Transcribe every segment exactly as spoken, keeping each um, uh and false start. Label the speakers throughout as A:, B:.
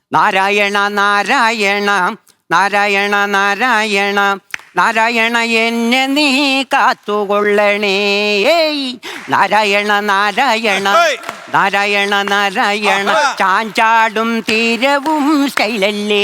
A: നാരായണ നാരായണ നാരായണ നാരായണ നാരായണ എന്നെ നീ കാത്തുകൊള്ളണേ. നാരായണ നാരായണ നാരായണ നാരായണ ചാഞ്ചാടും തീരവും സ്റ്റൈലല്ലേ.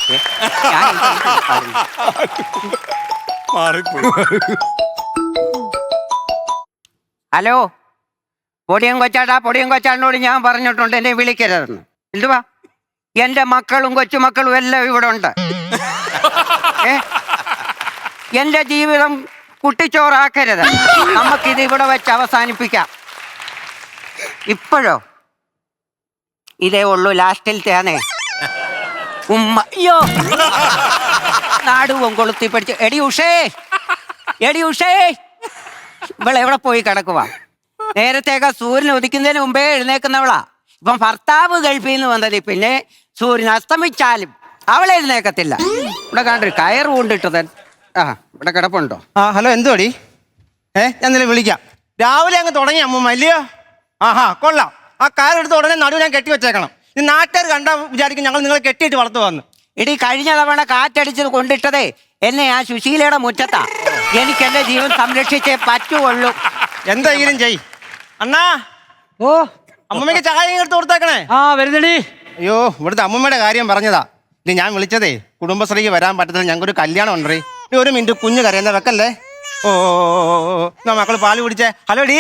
A: ഹലോ, പൊടിയും കൊച്ചാട്ടാ, പൊടിയും കൊച്ചാടിനോട് ഞാൻ പറഞ്ഞിട്ടുണ്ട് എന്നെ വിളിക്കരുതെന്ന്. എന്തുവാ? എന്റെ മക്കളും കൊച്ചുമക്കളും എല്ലാം ഇവിടെ ഉണ്ട്. ഏ എന്റെ ജീവിതം കുട്ടിച്ചോറാക്കരുത്. നമുക്കിത് ഇവിടെ വെച്ച് അവസാനിപ്പിക്കാം. ഇപ്പോഴോ ഇതേ ഉള്ളൂ, ലാസ്റ്റിലത്തെയാണേ. ഉമ്മ അയ്യോ നാടുവും കൊളുത്തി പഠിച്ചു. എടി ഉഷേ, എടി ഉഷേ, ഇവളെ എവിടെ പോയി കിടക്കുവാ? നേരത്തേക്ക് സൂര്യൻ ഉദിക്കുന്നതിന് മുമ്പേ എഴുന്നേക്കുന്നവളാ. ഇപ്പം ഭർത്താവ് ഗൾഫിൽ നിന്ന് വന്നത്, പിന്നെ സൂര്യൻ അസ്തമിച്ചാലും അവളെ എഴുന്നേക്കത്തില്ല. ഇവിടെ കണ്ടൊരു കയറ് കൊണ്ടിട്ടത്. ആ ഇവിടെ കിടപ്പുണ്ടോ?
B: ആ ഹലോ, എന്തുവാടി? ഏ ഞാൻ നിന്നെ വിളിക്കാം. രാവിലെ അങ്ങ് തുടങ്ങി അമ്മൂമ്മ അല്ലയോ? ആഹാ കൊള്ളാം. ആ കയറെടുത്ത് ഉടനെ നടുവ് ഞാൻ കെട്ടി വെച്ചേക്കണം. ഈ നാട്ടുകാർ കണ്ടാ വിചാരിക്കും ഞങ്ങൾ നിങ്ങളെ കെട്ടിയിട്ട് വളർത്തു വന്ന്.
A: ഇടി കഴിഞ്ഞ തവണ കാറ്റടിച്ചത് കൊണ്ടിട്ടതേ എന്നെ ആ സുശീലയുടെ മുറ്റത്താ. എനിക്ക് എന്റെ ജീവൻ സംരക്ഷിച്ചേ പറ്റുള്ളൂ.
B: എന്തെങ്കിലും ചെയ് അണ്ണാ.
C: ഓ
B: അമ്മമ്മയ്ക്ക് ചായ എടുത്ത് കൊടുത്തേക്കണേ.
C: ആ വരുന്നടി.
B: അയ്യോ, ഇവിടുത്തെ അമ്മമ്മയുടെ കാര്യം പറഞ്ഞതാ. ഇനി ഞാൻ വിളിച്ചതേ കുടുംബശ്രീക്ക് വരാൻ പറ്റത്തില്ല, ഞങ്ങൾക്കൊരു കല്യാണം ഉണ്ടേ. ഒരു മിനിറ്റ്, കുഞ്ഞ് കരയുന്ന വെക്കല്ലേ. ഓ മക്കള് പാല് കുടിച്ചേ. Hello D.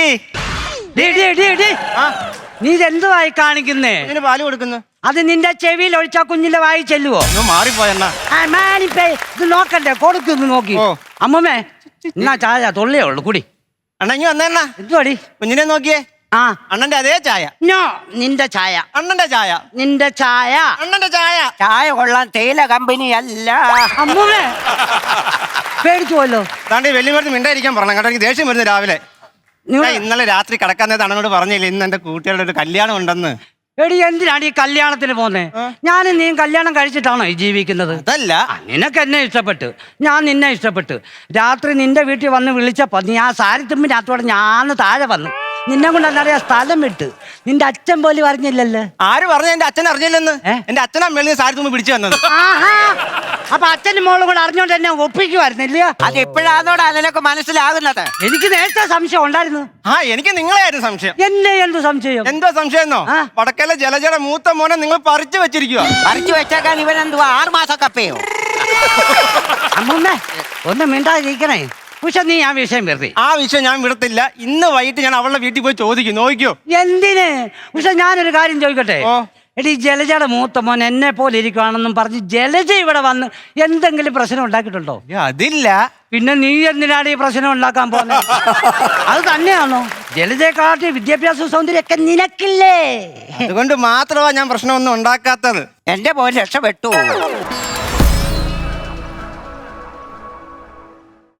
C: നീ ഇതെന്തുവായി കാണിക്കുന്നേ?
B: ഇതിന് പാല് കൊടുക്കുന്നു.
C: അത് നിന്റെ ചെവിയിൽ ഒഴിച്ചാ കുഞ്ഞിന്റെ വായി ചെല്ലുവോ?
B: മാറിപ്പോയെന്നാ.
C: ഇത് നോക്കണ്ടേ, കൊടുക്കുന്നു നോക്കി. അമ്മമ്മേ എന്നാ ചായ തൊള്ളിയേ ഉള്ളു കുടി.
B: അണ്ണ ഇങ്ങ് വന്നേണ്ണ.
C: എന്തുവാടി?
B: കുഞ്ഞിനെ നോക്കിയേ.
C: ആ
B: അണ്ണന്റെ അതേ ചായ.
C: നോ, നിന്റെ ചായ.
B: അണ്ണന്റെ ചായ.
C: നിന്റെ ചായ.
B: അണ്ണന്റെ ചായ.
A: ചായ കൊള്ളാൻ തേയില കമ്പനി അല്ല.
C: അമ്മൂമ്മേ പേടിച്ചുവല്ലോ.
B: താണ്ടി വെല്ലുമരുന്ന് മിണ്ടായിരിക്കാൻ പറഞ്ഞു കേട്ടോ. എനിക്ക് ദേഷ്യം വരുന്നു രാവിലെ. ഇന്നലെ രാത്രി കിടക്കാൻ നേരത്തെ അണ്ണനോട് പറഞ്ഞില്ലേ ഇന്ന് എന്റെ കൂട്ടുകാരുടെ ഒരു കല്യാണം ഉണ്ടെന്ന്.
C: എടി എന്തിനാണ് ഈ കല്യാണത്തിന് പോന്നേ? ഞാനും നീ കല്യാണം കഴിച്ചിട്ടാണോ ഈ ജീവിക്കുന്നത്?
B: അതല്ല,
C: നിനക്ക് എന്നെ ഇഷ്ടപ്പെട്ട്, ഞാൻ നിന്നെ ഇഷ്ടപ്പെട്ട്. രാത്രി നിന്റെ വീട്ടിൽ വന്ന് വിളിച്ചപ്പോ നീ ആ സാരി തുമ്പിനകത്തോടെ ഞാൻ താഴെ വന്നു. നിന്നെ കൊണ്ട് എന്നറിയാ സ്ഥലം വിട്ട്. നിന്റെ അച്ഛൻ പോലും അറിഞ്ഞില്ലല്ലോ.
B: ആര് പറഞ്ഞു? എന്റെ അച്ഛൻ അറിഞ്ഞില്ലെന്ന്. എന്റെ അച്ഛനാ മേളിൽ സാരി തുമ്പി പിടിച്ചു വന്നത്.
C: അപ്പൊ അച്ഛനും മോളും കൂടെ അറിഞ്ഞോണ്ട് എന്നെ ഒപ്പിക്കുമായിരുന്നില്ല?
A: അത് എപ്പോഴാന്നോടാ അതിനൊക്കെ മനസ്സിലാകുന്നത്?
C: എനിക്ക് നേരത്തെ സംശയം ഉണ്ടായിരുന്നു.
B: ആ എനിക്ക് നിങ്ങളെയായിരുന്നു സംശയം.
C: എന്നെ എന്ത് സംശയം?
B: എന്തോ സംശയം എന്നോ? വടക്കേലെ ജലജയുടെ മൂത്ത മോനെ നിങ്ങൾ പറിച്ചു വെച്ചിരിക്കുക.
A: പറിച്ചു വെച്ചേക്കാൻ ഇവൻ എന്തുവാ ആറ് മാസം കപ്പയോ?
C: അമ്മൂമ്മേ ഒന്ന് മിണ്ടാതിരിക്കണേ. പക്ഷെ നീ ആ വിഷയം വെറുതെ.
B: ആ വിഷയം ഞാൻ വിടത്തില്ല. ഇന്ന് വൈകിട്ട് ഞാൻ അവളുടെ വീട്ടിൽ പോയി ചോദിക്കും. നോക്കിയോ?
C: എന്തിന്? പക്ഷെ ഞാനൊരു കാര്യം ചോദിക്കട്ടെ. എടി ജലജയുടെ മൂത്ത മോൻ എന്നെ പോലെ ഇരിക്കുകയാണെന്നും പറഞ്ഞ് ജലജ ഇവിടെ വന്ന് എന്തെങ്കിലും പ്രശ്നം ഉണ്ടാക്കിയിട്ടുണ്ടോ?
B: അതില്ല.
C: പിന്നെ നീ എന്തിനാണ് ഈ പ്രശ്നം ഉണ്ടാക്കാൻ പോകുന്നത്? അത് തന്നെയാണോ? ജലജയെക്കാട്ടി വിദ്യാഭ്യാസ സൗന്ദര്യമൊക്കെ നിനക്കില്ലേ?
B: അതുകൊണ്ട് മാത്രമാ ഞാൻ പ്രശ്നമൊന്നും ഉണ്ടാക്കാത്തത്.
A: എന്റെ പോലെ രക്ഷപ്പെട്ടു.